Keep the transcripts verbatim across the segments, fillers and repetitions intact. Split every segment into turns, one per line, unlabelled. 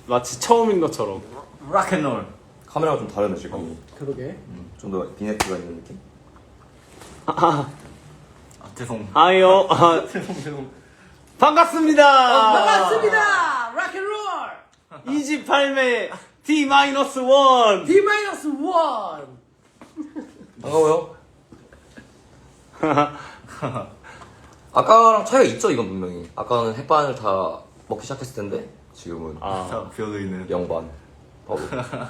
마치 처음인 것처럼.
락앤롤.
카메라가 좀 다르네 지금.
그러게.
음, 좀 더 비네트가 있는 느낌.
아,
아 죄송.
아이요. 아,
죄송 죄송.
반갑습니다.
어, 반갑습니다. 락앤롤.
이십팔 매 디 마이너스 원.
D 마이너스 원.
반가워요. 아까랑 차이가 있죠 이건 분명히. 아까는 햇반을 다 먹기 시작했을 텐데 지금은
아,
자 비어있는.
영반 바로.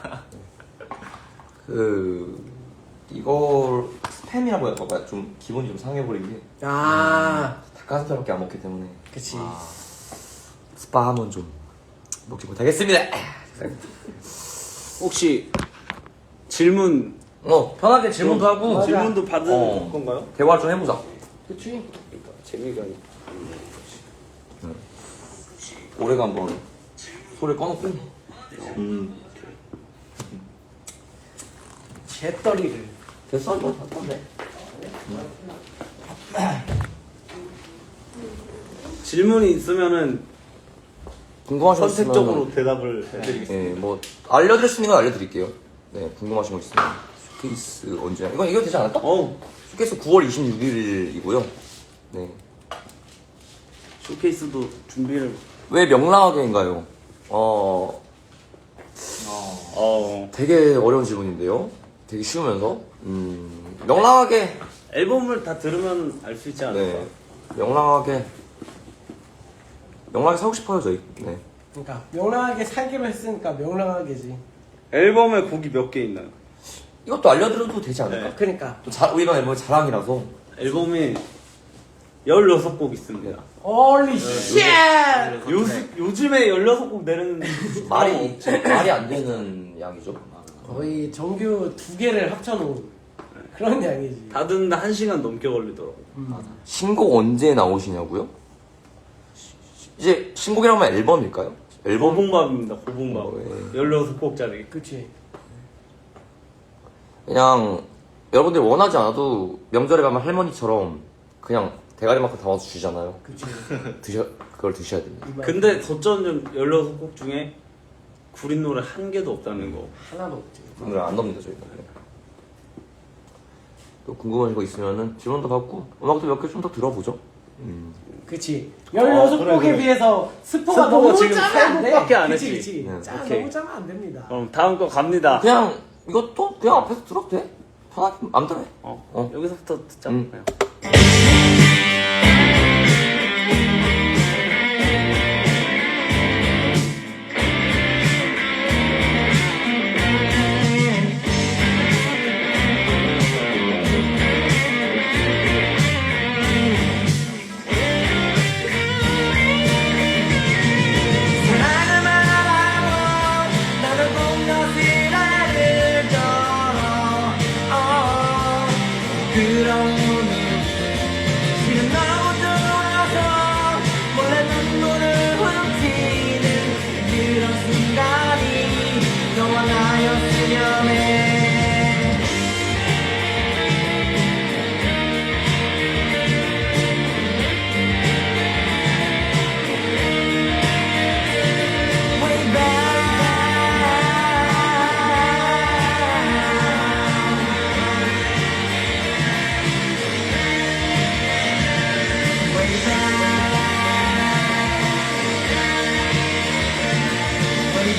그 이걸 스팸이라고 해야 될까? 좀 기분이 좀 상해버린 게
아,
닭가슴살밖에 안 먹기 때문에
그치.
아, 스팸은 좀 먹지 못하겠습니다.
혹시 질문
어 편하게 질문도 하고
맞아.
질문도 받은
어.
건가요?
대화 좀 해보자.
그치.
그러니까 재미가 있-
올해가 한번 소리 꺼놓고 음
재떨이를.
됐어 뭐 네.
질문이 있으면은
궁금하신 거 있으면
선택적으로 대답을 해드리겠습니다.
예, 뭐 알려드릴 수 있는 건 알려드릴게요. 네, 궁금하신 거 있으면 쇼케이스 언제? 이건 이거 되지 않을까?
어,
쇼케이스 구월 이십육일이고요. 네,
쇼케이스도 준비를.
왜 명랑하게인가요? 어,
어.
어,
되게 어려운 질문인데요. 되게 쉬우면서 음, 명랑하게.
앨범을 다 들으면 알 수 있지 않을까?
네, 명랑하게 명랑하게 살고 싶어요 저희. 네,
그러니까 명랑하게 살기로 했으니까 명랑하게지.
앨범에 곡이 몇 개 있나요?
이것도 알려드려도 되지 않을까?
네.
그러니까.
또 자, 이번 앨범이 자랑이라서.
앨범에 열여섯 곡 있습니다.
홀리 쉣!
요, 요즘에 열여섯 곡 내는
말이 말이 안 되는 양이죠.
거의 정규 두 개를 합쳐놓은 그런 양이지.
다 듣는데 한 시간 넘게 걸리더라고.
음.
신곡 언제 나오시냐고요? 이제 신곡이라면 앨범일까요? 앨범
고봉밥입니다. 고봉밥.
어, 예.
열여섯 곡짜리.
그치.
그냥 여러분들이 원하지 않아도 명절에 가면 할머니처럼 그냥 대가리만큼 담아서 주잖아요.
그치.
드셔 그걸 드셔야 됩니다.
이 말.
근데 덧전 열여섯 곡 중에 구린 노래 한 개도 없다는 거.
하나도 없지.
오늘 안 넣습니다 저희가. 또 궁금하신 거 있으면은 질문도 받고 음악도 몇 개 좀 더 들어보죠. 음.
그치. 열여섯
어, 그래,
곡에
그래.
비해서 스포가
스포가
너무
지금
짜면
세
안 돼.
곡밖에 안
그치,
했지.
그치.
네.
짜,
오케이.
너무 짜면 안 됩니다.
그럼 다음 거 갑니다.
그냥 이것도 그냥 앞에서 들어도 돼. 편하게 마음대로 해.
어,
어.
여기서부터 듣자.
음.
그냥.
사랑을 말하고 나를 공격이라를 줘 그런 오늘 지금 너무 좋아서 몰래 눈물을 훔치는 그런 순간이 너와 나였으면 해 Way back, way back, way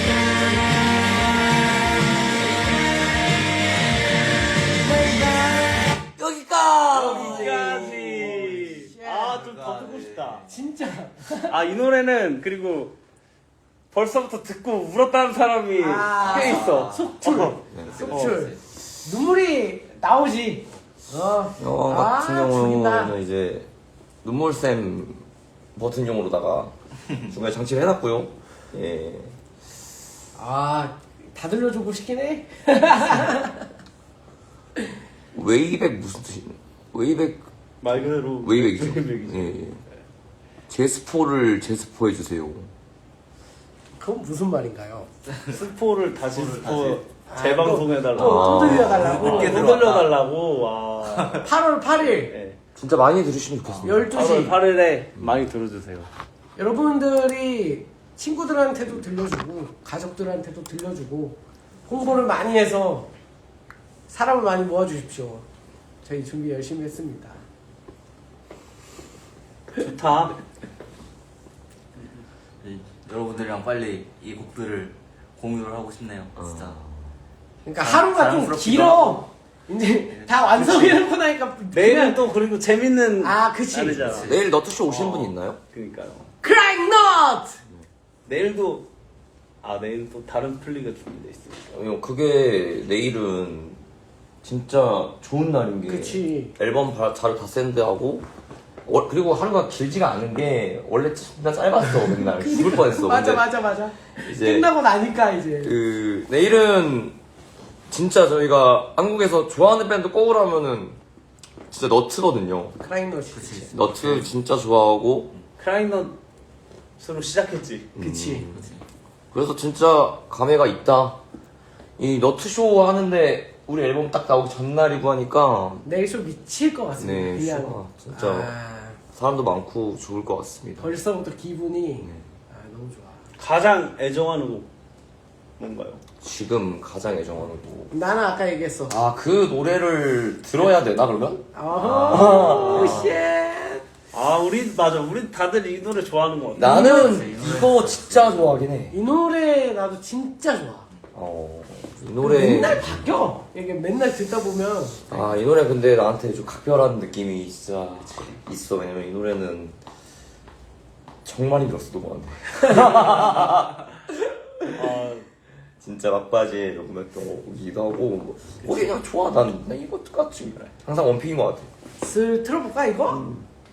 back, way back. 여기까지.
여기까지. 아, 좀 더 듣고 싶다.
진짜.
아, 이 노래는 그리고 벌써부터 듣고 울었다는 사람이
아,
꽤 있어.
속출.
어.
속출. 눈물이 나오지. 어.
영화
아,
같은
죽인다.
경우는 이제 눈물샘 버튼용으로다가 중간에 장치를 해놨고요. 예.
아, 다 들려주고 싶긴 해.
웨이백 무슨 뜻이? 웨이백
말 그대로
웨이백이죠.
웨이백이죠.
예. 예. 제스포를 제스포해 주세요.
그건 무슨 말인가요?
스포를 다시 스포
다시.
재방송해달라고.
또, 또 들려달라고.
늦게
들어왔다.
들려달라고. 와.
팔월 팔일
네.
진짜 많이 들으시면 좋겠습니다.
열두 시.
팔월 팔일에 많이 들어주세요.
여러분들이 친구들한테도 들려주고 가족들한테도 들려주고 홍보를 많이 해서 사람을 많이 모아주십시오. 저희 준비 열심히 했습니다.
좋다.
이- 여러분들이랑 빨리 이 곡들을 공유를 하고 싶네요. 진짜.
그러니까 하루가 좀
자랑스럽기도
길어. 이제 다 완성해놓고 나니까
내일은
그냥-
또 그리고 재밌는
아, 그치.
날이잖아.
그치.
내일 너트쇼 오시는
어.
분 있나요?
그니까요.
크라잉 넛!
내일도 아 내일 또 다른 플리가 준비돼 있으니까.
어, 그게 내일은 진짜 좋은 날인 게
그치.
앨범 바- 자료 다 샌드하고 월- 그리고 하루가 길지가 않은 게 원래 진짜 짧았어 맨날 죽을 뻔했어.
맞아
근데
맞아 맞아.
이제
끝나고 나니까 이제
그 내일은 진짜 저희가 한국에서 좋아하는 밴드 꼽으라면은 진짜 너트거든요.
크라잉 넛이.
그치.
너트 진짜 좋아하고
크라잉넛으로 시작했지.
그치.
그치.
그래서 진짜 감회가 있다. 이 너트쇼 하는데 우리 앨범 딱 나오기 전날이고 하니까
내일 쇼 미칠 것 같습니다.
네,
그냥
쇼가 진짜
아,
사람도 많고 좋을 것 같습니다.
벌써부터 기분이
네.
아, 너무 좋아.
가장 애정하는 곡 뭔가요?
지금 가장 애정하는 곡.
나는 아까 얘기했어.
아, 그 노래를 들어야 되나 그러면?
어허, 쉣.
아 우리 맞아 우리 다들 이 노래 좋아하는 것 같아.
나는 이거 진짜 좋아하긴 해.
이 노래 나도 진짜 좋아.
어, 이 노래.
맨날 바뀌어. 이게 맨날 듣다 보면
아, 이 노래 근데 나한테 좀 각별한 느낌이 진짜 있어. 왜냐면 이 노래는 정말 힘들었어, 녹음하는데.
아,
진짜 막바지에 녹음했던 거기도 하고, 뭐, 어, 그냥 좋아. 난, 난 이거 똑같이 그래. 항상 원픽인 것 같아.
슬 틀어볼까 이거?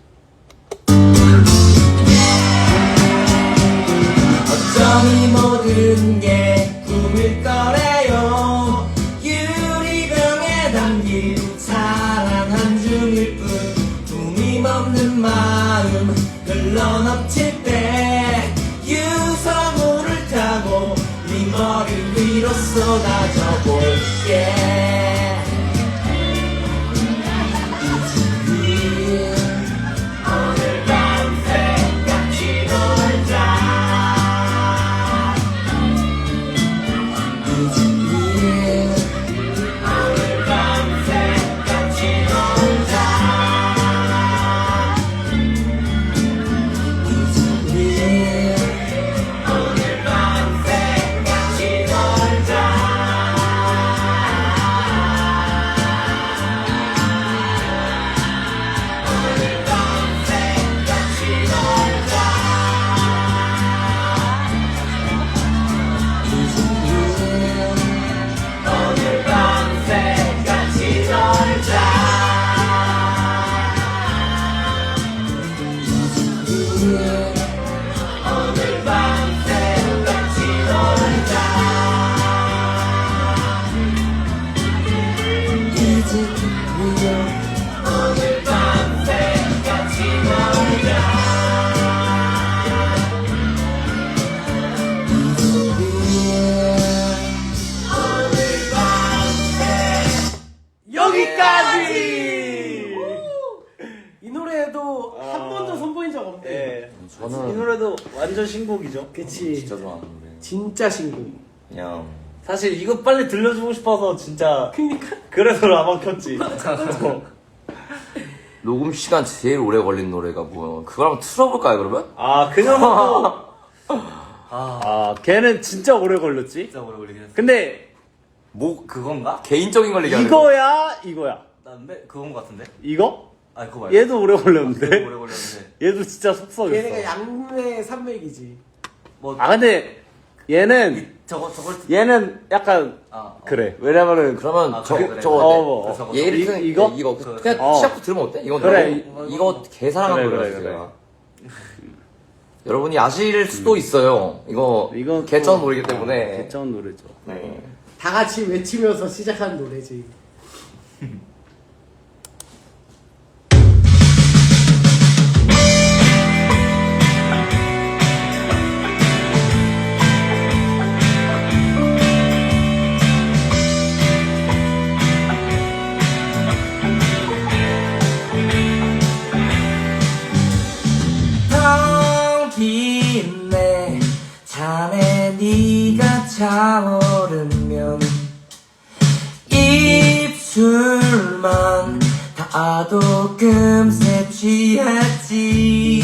어쩜 이 모든 게 꿈일 거래요. 유리병에 담긴 사랑 한 줌일 뿐 품임 없는 마음 흘러넘칠 때 유성우를 타고 네 머리 위로 쏟아져 볼게. 오늘 밤새 같이 놀자. 오늘 밤새 같이 놀자. 오늘 밤새 같이 놀자. 오늘 밤새 같이 놀자. 오늘 밤새 같이 놀자. 오늘 밤새 같이 놀자. 오늘 밤새 같이 놀자. 오늘 밤새
여기까지. 이 노래도
아.
한 번도 선보인 적 없네.
네.
저는
이 노래도 완전 신곡이죠.
그치.
진짜 좋아하는 노래.
진짜 신곡.
그냥.
사실 이거 빨리 들려주고 싶어서 진짜
그니까.
그래서 라방 켰지. 어.
녹음 시간 제일 오래 걸린 노래가 뭐야? 그걸 한번 틀어볼까요, 그러면?
아 그녀도 아 걔는 진짜 오래 걸렸지.
진짜 오래 걸리긴 했어.
근데
뭐,
그건가?
개인적인 걸 얘기하는 거.
이거야 이거야.
난데 그건 것 같은데?
이거?
아 그거 말고.
얘도 오래
그거
걸렸는데.
오래 걸렸는데.
얘도 진짜
걔네가
속썩였어.
양매 산맥이지.
뭐
아 근데 얘는
저거 저걸
얘는 약간
아 어.
그래. 왜냐면은
그러면
아,
저,
그래, 그래.
저거
어,
어때?
어.
얘를
이-
그-
이거?
이거
그-
그냥
어.
시작부터 들으면 어때? 이건
그래.
너무- 이거 개사랑한
그래,
노래였어.
그래,
제가. 여러분이 아실 수도 있어요. 이거
이건
개천
또-
노래이기 때문에.
개천 노래죠.
네.
다 같이 외치면서 시작한 노래지.
텅 빈 내
잔에 네가 차오르면 입술만 닿아도 금세 취했지.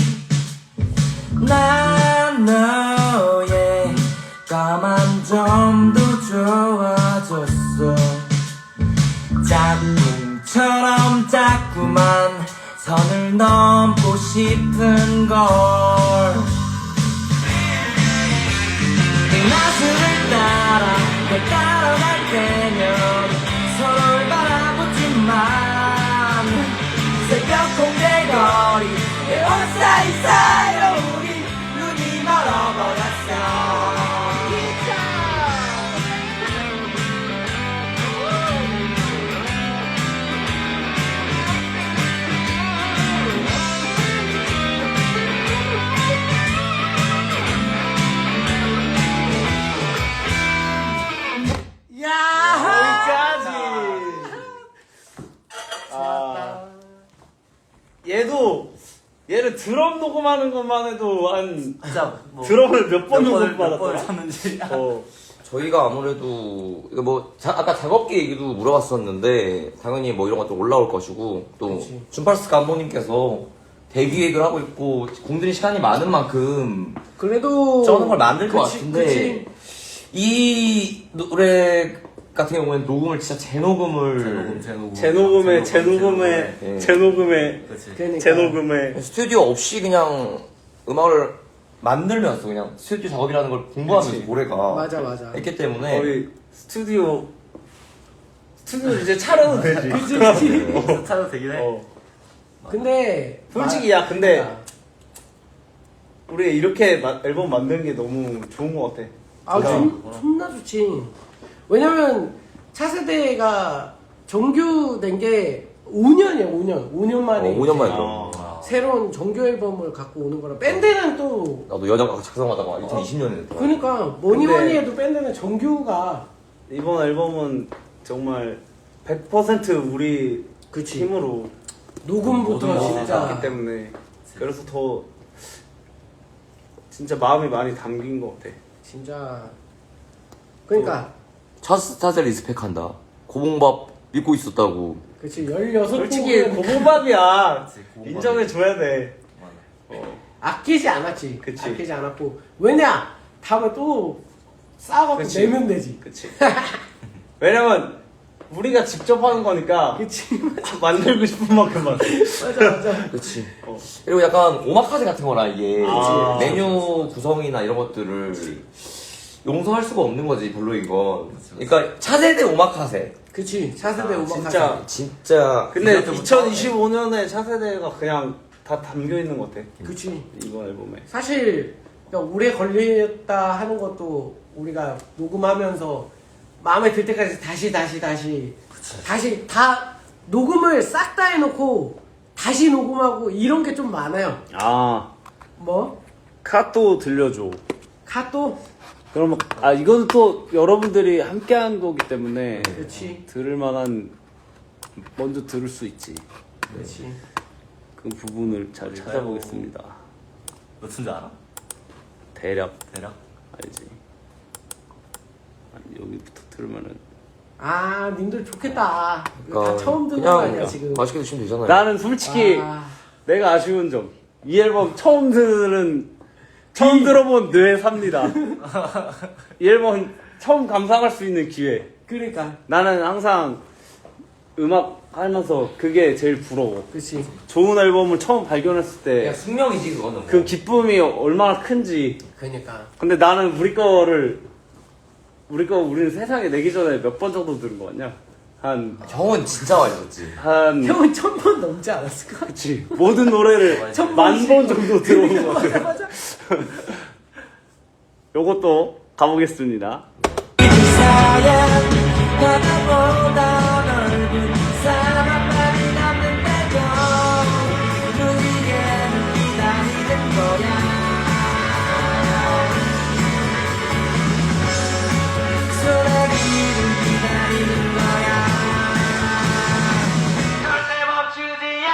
난 너의 까만 점도 좋아졌어. 짝꿍처럼 자꾸만 선을 넘고 싶은 걸. 나스를 따라 널 따라갈 때면 서로를 바라보지만 새벽 공개 거리 내 옷 사이사이로 우리 눈이 멀어버렸어.
아, 얘도 얘를 드럼 녹음하는 것만 해도 한
진짜 뭐
드럼을 몇 번
몇 번을
녹음
몇 번을
받았더라.
쳤는지.
어.
저희가 아무래도 이거 뭐 자- 아까 작업기 얘기도 물어봤었는데 당연히 뭐 이런 것도 올라올 것이고 또
그치.
준팔스 감독님께서 대기획을 하고 있고 공들인 시간이 많은 만큼
그래도
저는 걸 만들 것
그치,
같은데
그치.
이 노래 같은 경우에는 녹음을 진짜 재녹음을
재녹음, 재녹음.
재녹음에
재녹음,
재녹음에
예.
재녹음에
그렇지.
그러니까
재녹음에
스튜디오 없이 그냥 음악을 만들면서 그냥 스튜디오 작업이라는 걸 공부하면서
그치.
노래가
맞아 맞아.
있기 때문에
거의 스튜디오 스튜디오 이제 차려도 되지.
그치 그치.
차도 되긴 해.
어.
근데
솔직히 야 근데 우리 이렇게 마- 앨범 만드는 게 너무 좋은 것 같아.
아,
그냥
좀, 존나 좋지. 왜냐면 차세대가 정규된 게 오 년이야, 오 년. 오 년 만에.
어, 오 년 만에
아.
들어.
새로운 정규 앨범을 갖고 오는 거라. 밴드는 또,
나도 여자가 작성하다가 이천이십 년에 됐더라.
그러니까 뭐니
근데-
뭐니 해도 밴드는 정규가.
이번 앨범은 정말 백 퍼센트 우리
그치.
힘으로
녹음부터
모든
했기
진짜.
때문에 그래서 더 진짜 마음이 많이 담긴 것 같아.
진짜. 그러니까.
첫 스타트를 리스펙한다. 고봉밥 믿고 있었다고.
그치, 열여섯
솔직히
곡은
고봉밥이야.
그치, 고봉밥이.
인정해줘야 돼.
맞아.
아끼지 않았지.
그치.
아끼지 않았고. 왜냐? 다음에 또 싸워갖고
그치.
내면 되지.
그치. 왜냐면 우리가 직접 하는 거니까
그치.
만들고 싶은 만큼만.
맞아, 맞아.
그렇지.
어.
그리고 약간 오마카세 같은 거나 이게
아.
메뉴 구성이나 이런 것들을 용서할 수가 없는 거지 별로 이건. 그러니까 차세대 오마카세.
그치. 차세대
아,
음악
진짜.
하자.
진짜.
근데
그때부터
이천이십오 년에 차세대가 그냥 다 담겨 있는 것 같아.
그치.
이번 앨범에.
사실 그러니까 오래 걸렸다 하는 것도 우리가 녹음하면서 마음에 들 때까지 다시 다시 다시 다시 다 녹음을 싹 다 해놓고 다시 녹음하고 이런 게 좀 많아요.
아,
뭐?
카또 들려줘.
카또?
그러면 아 이거는 또 여러분들이 함께한 거기 때문에
그렇지.
들을 만한 먼저 들을 수 있지.
그렇지.
그 부분을 잘 찾아보겠습니다.
몇 춘지 알아?
대략
대략?
알지. 아니, 여기부터 들으면은
아, 님들 좋겠다. 이거
그러니까
다 처음 듣는
그냥
거 아니야 지금?
맛있게 드시면 되잖아요.
나는 솔직히
아,
내가 아쉬운 점 이 앨범 처음 들은 처음 들어본 뇌 삽니다. 이 앨범 처음 감상할 수 있는 기회.
그러니까.
나는 항상 음악 하면서 그게 제일 부러워.
그렇지.
좋은 앨범을 처음 발견했을
그냥
때
숙명이지 그거는.
그 기쁨이 얼마나 큰지.
그러니까.
근데 나는 우리 거를 우리 거 우리는 세상에 내기 전에 몇 번 정도 들은 거 같냐? 한
형은 진짜 많이 듣지.
한
형은 천 번 넘지 않았을까?
그치 모든 노래를
천
만
번씩.
번 정도 들어온 것
맞아
같아.
맞아.
요것도 가보겠습니다.
사양 바다보다 넓은 사막만이 남는다고 우리에는 기다리는 거야. 소나기를 기다리는 거야. 절대 멈추지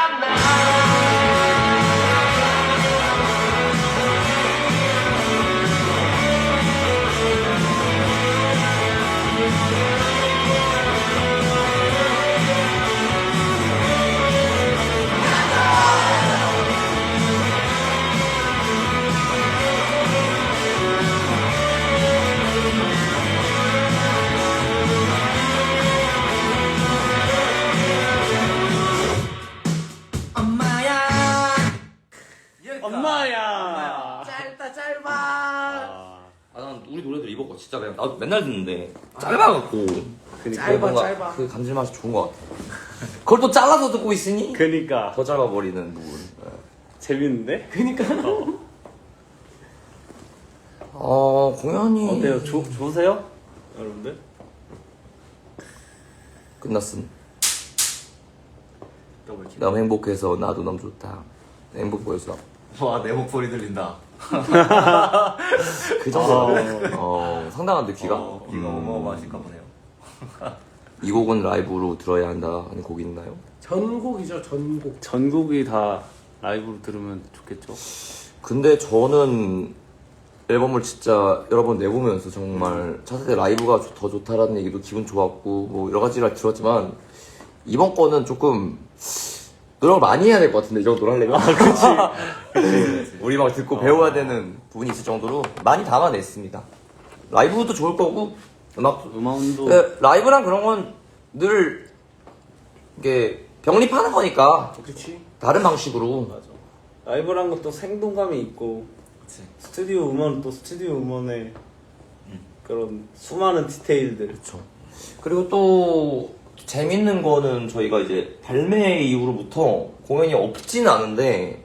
않나.
짧아.
아,
아, 난 우리 노래들 이거 진짜 그냥 나도 맨날 듣는데 짧아갖고
그니까.
짧아,
뭔가
짧아.
그 감질맛이 좋은 것 같아. 그걸 또 잘라서 듣고 있으니
그니까.
더 짧아버리는 부분.
재밌는데?
그니까.
어 공연이
어때요? 좋 좋으세요? 여러분들?
끝났음.
더블킬.
너무 행복해서 나도 너무 좋다. 행복 보여서
와, 내 목소리 들린다.
그 정도. 어 상당한데 귀가.
어, 귀가
음.
어마어마하실까 보네요.
이 곡은 라이브로 들어야 한다는 곡이 있나요?
전곡이죠, 전곡.
전곡이 다 라이브로 들으면 좋겠죠?
근데 저는 앨범을 진짜 여러 번 내보면서 정말 차세대 라이브가 좋- 더 좋다라는 얘기도 기분 좋았고 뭐 여러 가지를 들었지만 이번 거는 조금 노력을 많이 해야 될 것 같은데 이 정도로 하려면 우리 막 듣고 배워야 되는 부분이 있을 정도로 많이 담아냈습니다. 라이브도 좋을 거고 음악도
음원도
근데 라이브랑 그런 건 늘 이게 병립하는 거니까
그치.
다른 방식으로
맞아. 라이브란 것도 생동감이 있고
그치.
스튜디오 음원은 또 스튜디오 음원의 그런 수많은 디테일들.
그렇죠. 그리고 또 재밌는 거는 저희가 이제 발매 이후로부터 공연이 없지는 않은데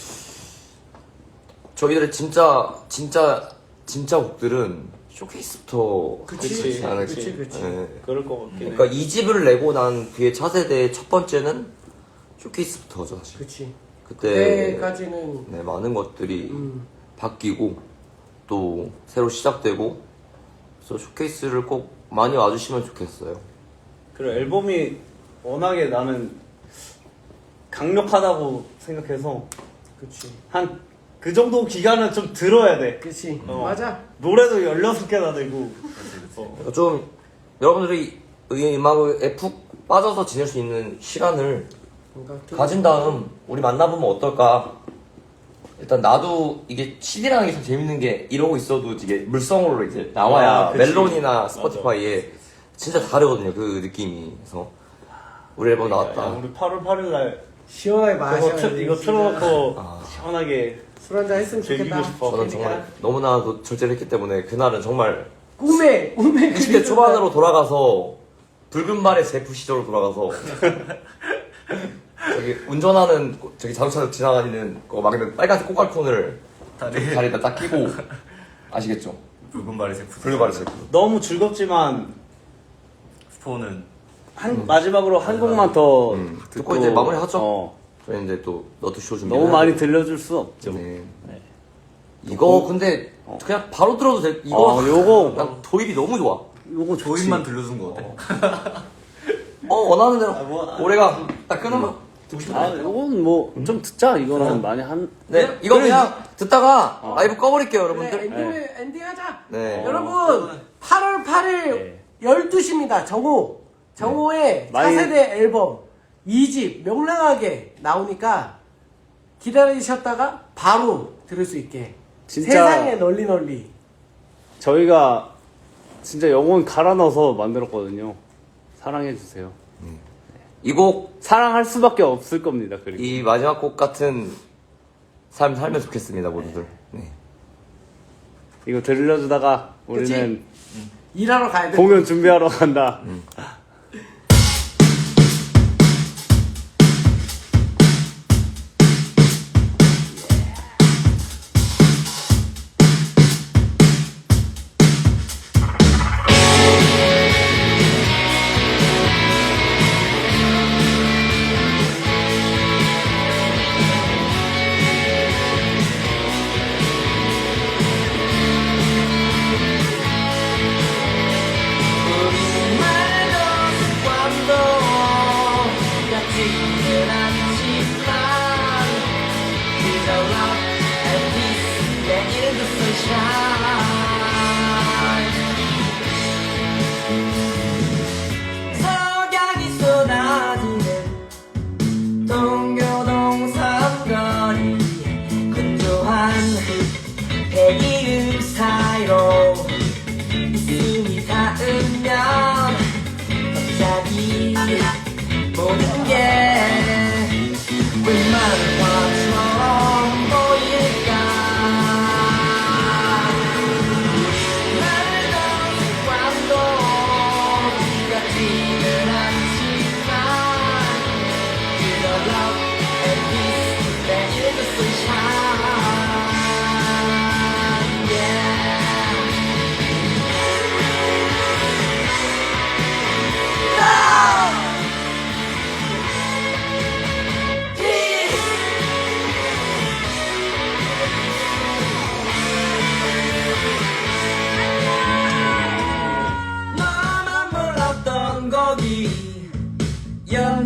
저희들의 진짜 진짜 진짜 곡들은 쇼케이스부터
그치,
하지 않을지.
그치, 그치.
예.
그럴 것 같긴 해.
그러니까 이 집을 내고 난 뒤에 차세대의 첫 번째는 쇼케이스부터죠 사실.
그치.
그때
그때까지는
네, 많은 것들이
음.
바뀌고 또 새로 시작되고 그래서 쇼케이스를 꼭 많이 와주시면 좋겠어요.
그리고 앨범이 워낙에 나는 강력하다고 생각해서
그치.
한 그 정도 기간은 좀 들어야 돼.
그치.
어.
맞아.
노래도 열여섯 개나 되고. 어.
그러니까 좀 여러분들이 이 음악에 푹 빠져서 지낼 수 있는 시간을
그러니까
가진 다음 우리 만나보면 어떨까. 일단 나도 이게 씨디라는 게 참 재밌는 게 이러고 있어도 이게 물성으로 이제 나와야
아, 그치.
멜론이나 스포티파이에 진짜 다르거든요 그 느낌이. 그래서 우리 앨범
야,
나왔다.
우리 팔월 팔일 날
시원하게
그거
마셔야
틀,
돼,
이거
진짜.
틀어놓고
아.
시원하게
술 한잔 했으면
즐기고
좋겠다.
싶어.
저는 정말 너무나도 절제를 했기 때문에 그날은 정말
꿈에 꿈에
이십 대 초반으로 돌아가서 붉은 말의 제프 시절로 돌아가서 저기 운전하는 저기 자동차 지나다니는 거 막는 빨간색 꼬깔콘을
다리.
다리에다 딱 끼고 아시겠죠?
붉은 발의 제품.
붉은 말의 제프.
너무 즐겁지만
스포는
한 마지막으로 한 곡만 더
음,
듣고
듣고 이제 마무리하죠.
어,
저희 이제 또 너트쇼 준비.
너무 많이 들려줄 수 없죠.
네. 이거 근데 그냥 바로 들어도 돼. 이거
어, 요거
난 도입이 너무 좋아.
요거 좋지.
조인만 들려준 거 어때?
어 원하는 대로
아, 뭐, 아.
올해가 딱 끊으면 듣고 싶은데.
아, 요건 뭐 좀 듣자. 이거는 많이 한.
네, 이거
그래,
그냥 듣다가
어.
라이브 꺼버릴게요,
그래,
여러분들.
엔딩, 엔딩하자.
네.
여러분 팔월 팔일
네.
열두 시입니다. 정오. 정오에
많이-
차세대 앨범 이 집 명랑하게 나오니까 기다리셨다가 바로 들을 수 있게
진짜-
세상에 널리 널리.
저희가 진짜 영혼 갈아 넣어서 만들었거든요. 사랑해주세요.
이 곡,
사랑할 수밖에 없을 겁니다. 그리고
이 마지막 곡 같은 삶 살면 좋겠습니다, 모두들. 네.
이거 들려주다가 우리는
일하러 가야 돼.
공연 준비하러 간다.
석양이 쏟아지는 동교동 삼거리 건조한 배기음 사이로 있음이 닿으면 갑자기 모든 게 웬만한 화처럼 보일까 거기 연